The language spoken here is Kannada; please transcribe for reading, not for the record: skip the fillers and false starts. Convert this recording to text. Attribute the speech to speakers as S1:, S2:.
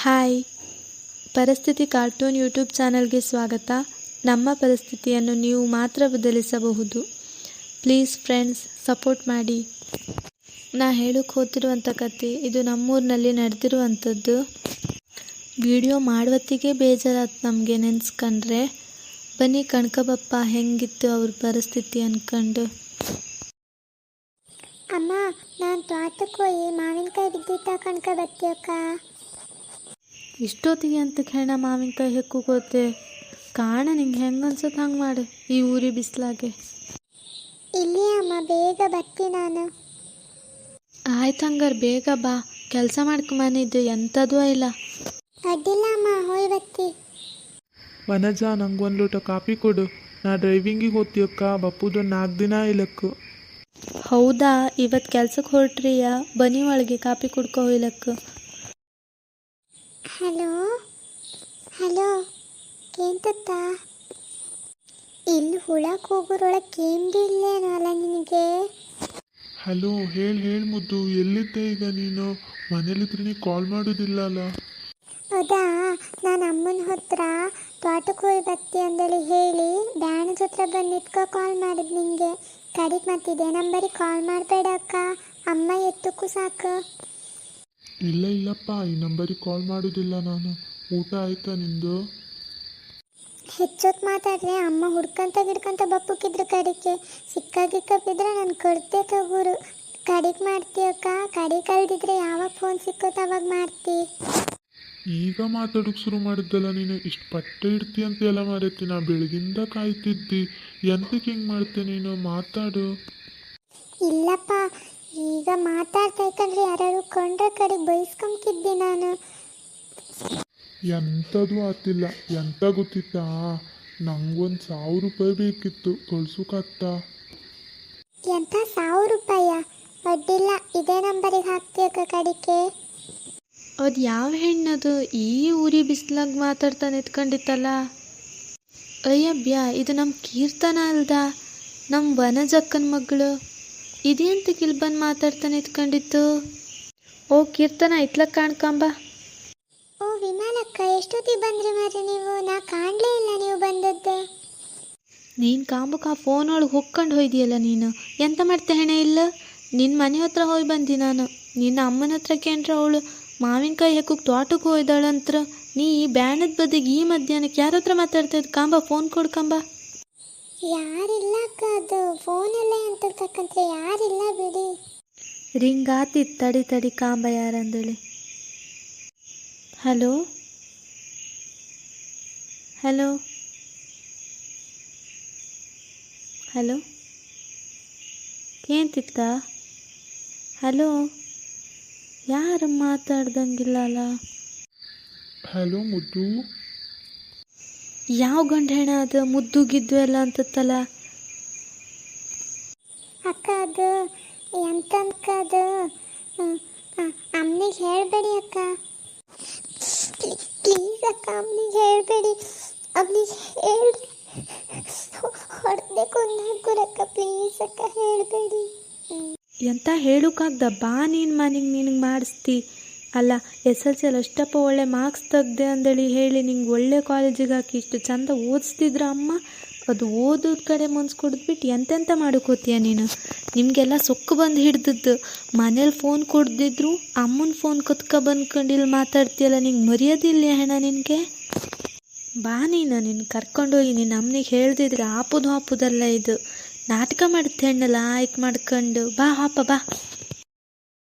S1: ಹಾಯ್, ಪರಿಸ್ಥಿತಿ ಕಾರ್ಟೂನ್ ಯೂಟ್ಯೂಬ್ ಚಾನಲ್ಗೆ ಸ್ವಾಗತ. ನಮ್ಮ ಪರಿಸ್ಥಿತಿಯನ್ನು ನೀವು ಮಾತ್ರ ಬದಲಿಸಬಹುದು. ಪ್ಲೀಸ್ ಫ್ರೆಂಡ್ಸ್, ಸಪೋರ್ಟ್ ಮಾಡಿ. ನಾ ಹೇಳಕ್ಕೆ ಹೋಗ್ತಿರುವಂಥ ಕತೆ ಇದು ನಮ್ಮೂರಿನಲ್ಲಿ ನಡೆದಿರುವಂಥದ್ದು. ವಿಡಿಯೋ ಮಾಡುವತ್ತಿಗೆ ಬೇಜಾರಾಯ್ತು ನಮಗೆ ನೆನೆಸ್ಕೊಂಡ್ರೆ. ಬನ್ನಿ ಕಣ್ಕಬಪ್ಪ ಹೆಂಗಿತ್ತು ಅವ್ರ ಪರಿಸ್ಥಿತಿ ಅನ್ಕೊಂಡು.
S2: ಅಮ್ಮ, ನಾನು ತೋಟಕ್ಕೆ ಹೋಗಿ ಮಾವಿನಕಾಯಿ ಬಿದ್ದಿದ್ದ ಕಣ್ಕ ಬತ್ತೀಯಕ್ಕ.
S1: ಇಷ್ಟೊತ್ತಿಗೆ ಅಂತ ಹೇಳ ಮಾವಿನಕಾಯಿ ಹೆಕ್ಕೋಗೋತೆ ಕಾಣ. ನಿಂಗೆ ಹೆಂಗೆ ಅನ್ಸುತ್ತೆ ಹಂಗೆ ಮಾಡು ಈ ಊರಿ ಬಿಸಿಲಾಗೆ.
S2: ಇಲ್ಲಿ ಅಮ್ಮ, ಬೇಗ ಬರ್ತಿ ನಾನು.
S1: ಆಯ್ತು ಹಂಗಾರೆ ಬೇಗ ಬಾ. ಕೆಲಸ ಮಾಡ್ಕೊಂಬನಿದ್ದು ಎಂಥದೂ ಇಲ್ಲ.
S2: ಅಡ್ಡಿಲ್ಲ ಅಮ್ಮ, ಹೋಯ್ ಬತ್ತಿ.
S3: ವನಜ, ನಂಗೊಂದು ಲೋಟ ಕಾಫಿ ಕೊಡು. ನಾ ಡ್ರೈವಿಂಗಿಗೆ ಹೋಗ್ತೀಯಕ್ಕ. ಬಪ್ಪುದೊಂದು 4 ದಿನ ಇಲ್ಲಕ್ಕು.
S1: ಹೌದಾ, ಇವತ್ತು ಕೆಲ್ಸಕ್ಕೆ ಹೊರಟ್ರಿಯಾ? ಬನ್ನಿ ಒಳಗೆ ಕಾಪಿ ಕುಡ್ಕೊ ಹೋಯ್ಲಕ್ಕ.
S2: ಹಲೋ ಹಲೋ, ಕೇಂತತ್ತ? ಇಲ್ಲಿ ಹುಳಕ್ಕೆ ಹೋಗೋರೊಳಗೆ ಕೇಂದ್ರಿ ಇಲ್ಲೇನೋ ಅಲ್ಲ ನಿನಗೆ?
S3: ಹಲೋ, ಹೇಳಿ ಮುದ್ದು, ಎಲ್ಲಿದ್ದೆ ಈಗ ನೀನು? ಮನೇಲಿದ್ರೆ ನೀ ಕಾಲ್ ಮಾಡೋದಿಲ್ಲ ಅಲ್ಲ?
S2: ಹೌದಾ, ನಾನು ಅಮ್ಮನ ಹತ್ರ ತೋಟಕ್ಕೆ ಹೋಗಿ ಬತ್ತಿ ಅಂದೇಳಿ ಹೇಳಿ ಬ್ಯಾಣದ ಹತ್ರ ಬಂದಿಟ್ಕೊ ಕಾಲ್ ಮಾಡಿದ್ ನಿಂಗೆ. ಕಡಿಗೆ ಮತ್ತಿದೆ ನಂಬರಿಗೆ ಕಾಲ್ ಮಾಡಬೇಡ ಅಕ್ಕ, ಅಮ್ಮ ಎತ್ತಕ್ಕೂ ಸಾಕು.
S3: ಇಲ್ಲಪ್ಪ, ಈ ನಂಬರಿಗೆ ಕಾಲ್ ಮಾಡೋದಿಲ್ಲ ನಾನು. ಊಟ ಆಯ್ತಾ ನಿಂದು?
S2: ಹೆಚ್ಚೊತ್ತು ಮಾತಾಡ್ರೆ ಅಮ್ಮ ಹುಡ್ಕಂತ ಗಿಡ್ಕಂತ ಬಪ್ಪಕ್ಕಿದ್ರು ಕಡಿಕೆ. ಸಿಕ್ಕಾಗಿಕ್ಕಿದ್ರೆ ನಾನು ಕೊಡ್ತೆ ತಗೋರು. ಕಡಿಗೆ ಮಾಡ್ತೀಯಕ್ಕ? ಕಡಿ ಕಲ್ದಿದ್ರೆ ಯಾವಾಗ ಫೋನ್ ಸಿಕ್ಕುತ್ತೆ ಅವಾಗ ಮಾಡ್ತಿ.
S3: ಈಗ ಮಾತಾಡೋಕೆ ಶುರು ಮಾಡಿದ್ದಲ್ಲ ನೀನು. ಇಷ್ಟು ಪಟ್ಟೆ ಇಡ್ತಿ ಅಂತ ಎಲ್ಲ ಮಾರೈತಿ. ನಾ ಬೆಳಗಿಂದ ಕಾಯ್ತಿದ್ದಿ. ಎಂತಕ್ಕೆ ಹಿಂಗೆ ಮಾಡ್ತೆ ನೀನು? ಮಾತಾಡು.
S2: ಇಲ್ಲಪ್ಪ, ಈಗ ಮಾತಾಡ್ತಾ ಇಕ್ಕಂದ್ರೆ ಯಾರು ಕೊಂಡ್ರೆ ಕಡೆಗೆ ಬೈಸ್ಕೊಂತಿದ್ದೆ ನಾನು.
S3: ಎಂಥದ್ದು ಆತಿಲ್ಲ. ಎಂತ ಗೊತ್ತಿತ್ತಾ? ನಂಗೊಂದು 1000 ರೂಪಾಯಿ ಬೇಕಿತ್ತು, ಕಳ್ಸೋಕಾಗ್ತಾ?
S2: ಎಂತ 1000 ರೂಪಾಯ? ಅಡ್ಡಿಲ್ಲ, ಇದೇ ನಂಬರಿಗೆ ಹಾಕ್ತೀಯಕ್ಕ ಕಡಿಕೆ.
S1: ಅದು ಯಾವ ಹೆಣ್ಣದು ಈ ಊರಿ ಬಿಸಿಲಾಗ ಮಾತಾಡ್ತಾ ನಿಂತ್ಕೊಂಡಿತ್ತಲ್ಲ? ಅಯ್ಯಬ್ಯಾ, ಇದು ನಮ್ಮ ಕೀರ್ತನ ಅಲ್ದ? ನಮ್ಮ ವನಜಕ್ಕನ ಮಗಳು. ಇದೆಂತಕ್ಕೆ ಇಲ್ಲಿ ಬಂದು ಮಾತಾಡ್ತಾ ನಿಂತ್ಕೊಂಡಿತ್ತು? ಓ ಕೀರ್ತನ, ಇತ್ಲಕ್ಕೆ ಕಾಣ್ಕೊಂಬ.
S2: ಓ ವಿಮಾನಕ್ಕ, ಎಷ್ಟೊತ್ತಿಗೆ ಬಂದ್ರಿ ಮಾರಿ ನೀವು? ನಾ ಕಾಣಲೇ ಇಲ್ಲ ನೀವು ಬಂದದ್ದು.
S1: ನೀನು ಕಾಂಬಕ್ಕೆ ಆ ಫೋನ್ ಒಳಗೆ ಹೊಕ್ಕೊಂಡು ಹೋಯ್ದಿಯಲ್ಲ ನೀನು. ಎಂತ ಮಾಡ್ತೆ ಹೆಣೆ ಇಲ್ಲ? ನಿನ್ನ ಮನೆ ಹತ್ರ ಹೋಗಿ ಬಂದಿ ನಾನು. ನಿನ್ನ ಅಮ್ಮನ ಹತ್ರ ಕೇಂದ್ರ ಅವಳು ಮಾವಿನಕಾಯಿ ಹೆಕ್ಕಕ್ಕೆ ತೋಟಕ್ಕೆ ಹೋಯ್ದಾಳಂತ್ರ. ನೀ ಈ ಬ್ಯಾಣದ ಬದಿಗೆ ಈ ಮಧ್ಯಾಹ್ನಕ್ಕೆ ಯಾರ ಹತ್ರ ಮಾತಾಡ್ತಾ ಇದ್ದು? ಕಾಂಬ, ಫೋನ್ ಕೊಡ್ಕಂಬ.
S2: ಯಾರಿಲ್ಲ ಅಕ್ಕ, ಅದು ಫೋನಲ್ಲೇ ಅಂತಕ್ಕಂತೆ ಯಾರಿಲ್ಲ ಬಿಡಿ.
S1: ರಿಂಗ್ ಆತಿತ್ತು, ತಡಿ ಕಾಂಬ ಯಾರಂದೇಳಿ. ಹಲೋ ಹಲೋ ಹಲೋ, ಕೇಂತಿತ್ತ? ಹಲೋ, ಯಾರು ಮಾತಾಡ್ದಂಗಿಲ್ಲ ಅಲ್ಲ?
S3: ಹಲೋ ಮುದ್ದು.
S1: ಯಾವ ಗಂಡ ಹೆಣ ಅದು? ಮುದ್ದು ಗಿದ್ದು ಎಲ್ಲ ಅಂತತ್ತಲ್ಲ?
S2: ಅಕ್ಕ, ಅದು ಎಂತಕ್ಕ, ಅದು ಅಮ್ಮನಿಗೆ ಹೇಳಬೇಡಿ ಅಕ್ಕ. ಪ್ಲೀಸ್ ಅಕ್ಕ, ಅಮ್ಮನಿಗೆ ಹೇಳಬೇಡಿ. ಅಮ್ಮನಿಗೆ ಹೇಳಿ ಹೊಡೆದೇ ಕೊಂದಾಕುರಕ್ಕ. ಪ್ಲೀಸ್ ಅಕ್ಕ, ಹೇಳಬೇಡಿ.
S1: ಎಂತ ಹೇಳೋಕ್ಕಾಗ್ದ? ಬಾ ನೀನು ಮನೆಗೆ, ನಿನಗೆ ಮಾಡಿಸ್ತಿ ಅಲ್ಲ. SLC ಅಷ್ಟಪ್ಪ ಒಳ್ಳೆ ಮಾರ್ಕ್ಸ್ ತೆಗ್ದೆ ಅಂದೇಳಿ ಹೇಳಿ ನಿಂಗೆ ಒಳ್ಳೆ ಕಾಲೇಜಿಗೆ ಹಾಕಿ ಇಷ್ಟು ಚಂದ ಓದಿಸ್ತಿದ್ರ ಅಮ್ಮ. ಅದು ಓದೋದ ಕಡೆ ಮನ್ಸು ಕೊಡ್ಬಿಟ್ಟು ಎಂತೆಂತ ಮಾಡೋಕೋತೀಯ ನೀನು? ನಿಮಗೆಲ್ಲ ಸೊಕ್ಕು ಬಂದು ಹಿಡ್ದದ್ದು. ಮನೇಲಿ ಫೋನ್ ಕೊಡ್ದಿದ್ರು ಅಮ್ಮನ ಫೋನ್ ಕತ್ಕ ಬಂದ್ಕೊಂಡು ಇಲ್ಲಿ ಮಾತಾಡ್ತೀಯಲ್ಲ. ನಿಂಗೆ ಮರ್ಯಾದಿಲ್ಲ ಹೆಣ ನಿನಗೆ? ಬಾ ನೀನು, ನಿನ್ನ ಕರ್ಕೊಂಡೋಗಿ ನಿನ್ನ ಅಮ್ಮನಿಗೆ ಹೇಳ್ದಿದ್ರೆ ಹಾಪುದಲ್ಲ ಇದು. ನಾಟಕ ಮಾಡುತ್ತೆ ಹೆಣ್ಣಲ್ಲ ಆಯ್ಕೆ ಮಾಡ್ಕೊಂಡು. ಬಾ ಹಾಪ ಬಾ.